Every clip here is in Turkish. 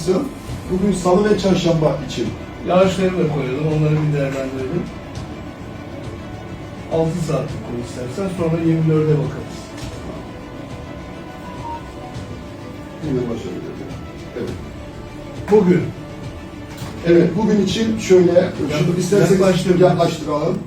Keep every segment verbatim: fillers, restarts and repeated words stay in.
kısım. Bugün salı ve çarşamba için. Yağışları da koyalım, onları bir değerlendirelim. altı saatlik koy istersen, sonra yirmi dörde bakarız. Yine başarılı. Evet. Bugün. Evet, bugün için şöyle, şunu isterseniz yaklaştıralım. yaklaştıralım.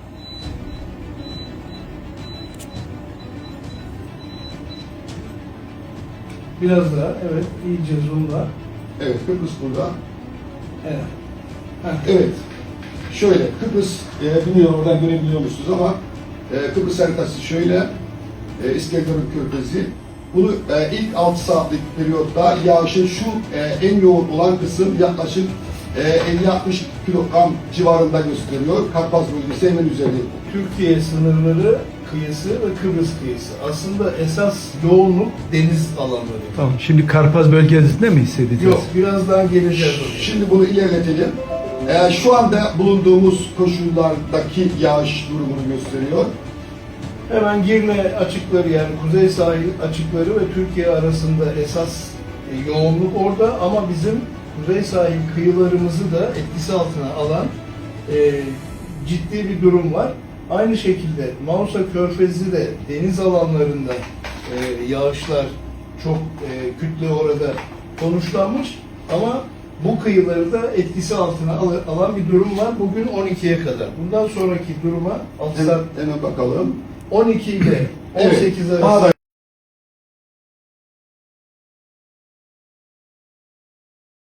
Biraz daha, evet, iyice zoomla. Evet, Kıbrıs burada. Evet. Heh. Evet, şöyle, Kıbrıs, e, bilmiyorum oradan görebiliyor musunuz ama e, Kıbrıs haritası şöyle, e, İskenderun Körfezi. Bunu e, ilk altı saatlik periyotta yağışın şu e, en yoğun olan kısım yaklaşık e, elli altmış kilogram civarında gösteriyor. Karpaz bölgesi hemen üzeri. Türkiye sınırları kıyısı ve Kıbrıs kıyısı. Aslında esas yoğunluk deniz alanları. Tamam, şimdi Karpaz bölgesinde mi hissedeceğiz? Yok, birazdan geleceğiz oraya. Şimdi bunu ilerletelim. E, şu anda bulunduğumuz koşullardaki yağış durumunu gösteriyor. Hemen Girne açıkları, yani kuzey sahil açıkları ve Türkiye arasında esas e, yoğunluk orada, ama bizim kuzey sahil kıyılarımızı da etkisi altına alan e, ciddi bir durum var. Aynı şekilde Mausa Körfezi de deniz alanlarında e, yağışlar çok e, kütle orada konuşlanmış, ama bu kıyıları da etkisi altına al- alan bir durum var bugün on ikiye kadar. Bundan sonraki duruma altı saat Hemen, hemen bakalım. on iki ile on sekiz Evet, arası